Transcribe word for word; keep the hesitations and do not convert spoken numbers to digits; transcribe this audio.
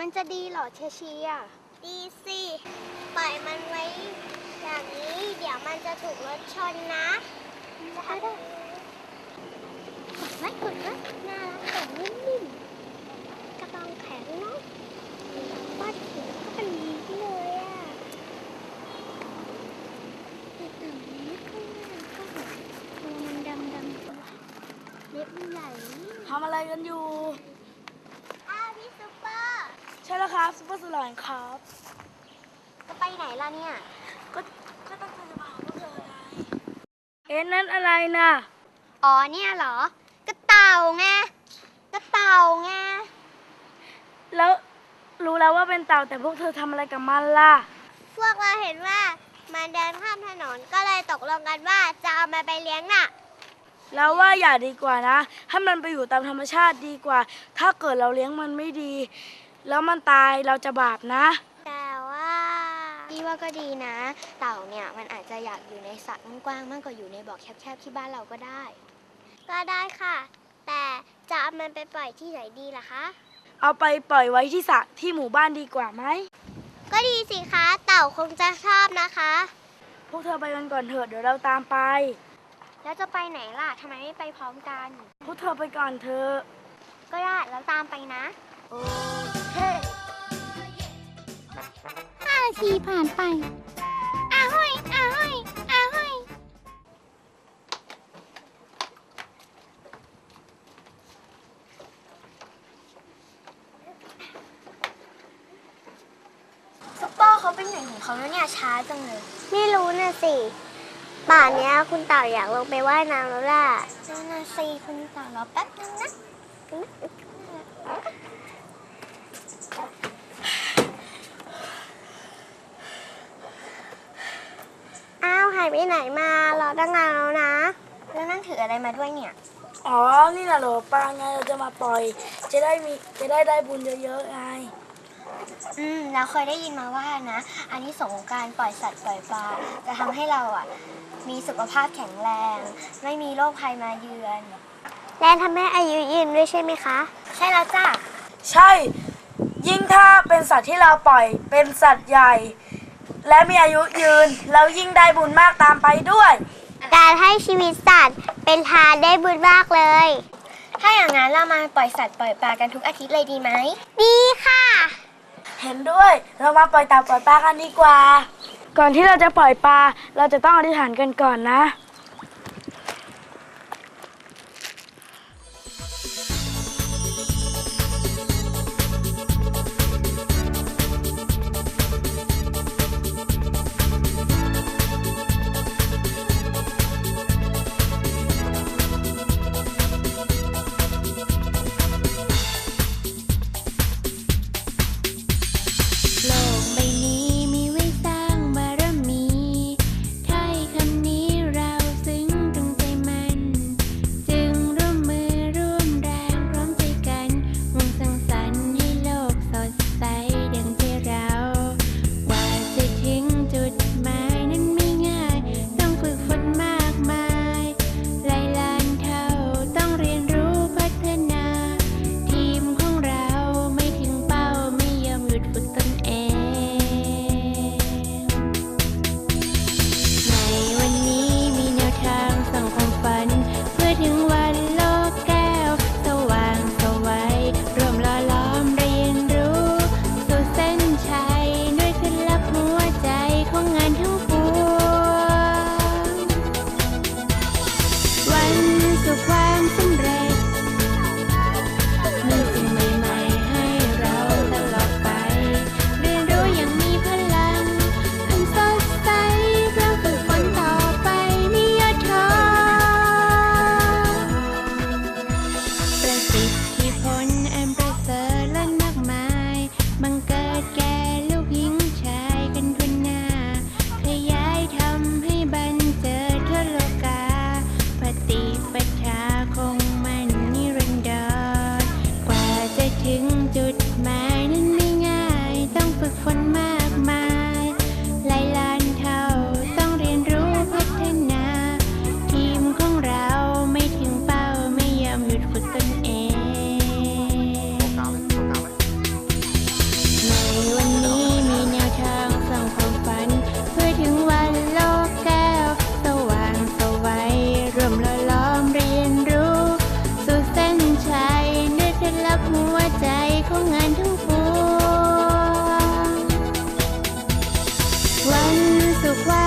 มันจะดีเหรอเชเชียดีสิปล่อยมันไว้อย่างนี้เดี๋ยวมันจะถูกรถชนนะได้ได้กดไว้กดไว้น่ารักแต่นิ่มๆกระดองแข็งเนาะป้าถือก็เป็นดีเลยอ่ะแต่ตัวนี้ก็น่าก็หัวตัวมันดำดำตัวเล็บใหญ่ทำอะไรกันอยู่อ้าวพี่ซุปเปอร์ใช่แล้วครับซุปเปอร์สลอยครับจะไปไหนล่ะเนี่ยก็ก็ตั้งใจจะมาหาพวกเธอไงเอ๊ะนั่นอะไรน่ะอ๋อเนี่ยเหรอกระเต่าไงกระเต่าไงแล้วรู้แล้วว่าเป็นเต่าแต่พวกเธอทำอะไรกับมันล่ะพวกเราเห็นว่ามันเดินข้ามถนนก็เลยตกลงกันว่าจะเอามันไปเลี้ยงน่ะแล้วว่าอย่าดีกว่านะให้มันไปอยู่ตามธรรมชาติดีกว่าถ้าเกิดเราเลี้ยงมันไม่ดีแล้วมันตายเราจะบาปนะแต่ว่าพี่ว่าก็ดีนะเต่าเนี่ยมันอาจจะอยากอยู่ในสระกว้างๆมากกว่าอยู่ในบ่อแคบๆที่บ้านเราก็ได้ก็ได้ค่ะแต่จะเอามันไปปล่อยที่ไหนดีล่ะคะเอาไปปล่อยไว้ที่สระที่หมู่บ้านดีกว่าไหมก็ดีสิคะเต่าคงจะชอบนะคะพวกเธอไปกันก่อนเถอะเดี๋ยวเราตามไปแล้วจะไปไหนล่ะทำไมไม่ไปพร้อมกันพวกเธอไปก่อนเถอะก็ได้แล้วตามไปนะโอเคห้านาทีผ่านไปอาห้อยอาห้อยอาห้อยซุปเปอร์เขาเป็นอย่างของเขาแล้วเนี่ยช้าจังเลยไม่รู้นะสิป่านนี้คุณเต่าอยากลงไปว่ายน้ำแล้วล่ะนั่นนะสิคุณเต่ารอแป๊บนึงนะอ้าวหายไปไหนมารอตั้งนานแล้วนะแล้วนั่งถืออะไรมาด้วยเนี่ยอ๋อนี่น่ะเหรอปลาไงเราจะมาปล่อยจะได้มีจะได้ได้บุญเยอะๆไงอืมเราเคยได้ยินมาว่านะอันนี้สงของการปล่อยสัตว์ปล่อยปลาจะทำให้เราอ่ะมีสุขภาพแข็งแรงไม่มีโรคภัยมาเยือนและทำให้อายุยืนด้วยใช่ไหมคะใช่แล้วจ้ะใช่ยิ่งถ้าเป็นสัตว์ที่เราปล่อยเป็นสัตว์ใหญ่และมีอายุยืนแล้วยิ่งได้บุญมากตามไปด้วยการให้ชีวิตสัตว์เป็นทานได้บุญมากเลยถ้าอย่างนั้นเรามาปล่อยสัตว์ปล่อยปลากันทุกอาทิตย์เลยดีไหมดีค่ะเห็นด้วยเรามาปล่อยเต่าปล่อยปลากันดีกว่าก่อนที่เราจะปล่อยปลาเราจะต้องอธิษฐานกันก่อนนะโลกใบนี้มีไว้สร้างบารมีถ้อยคำนี้เราทุกวั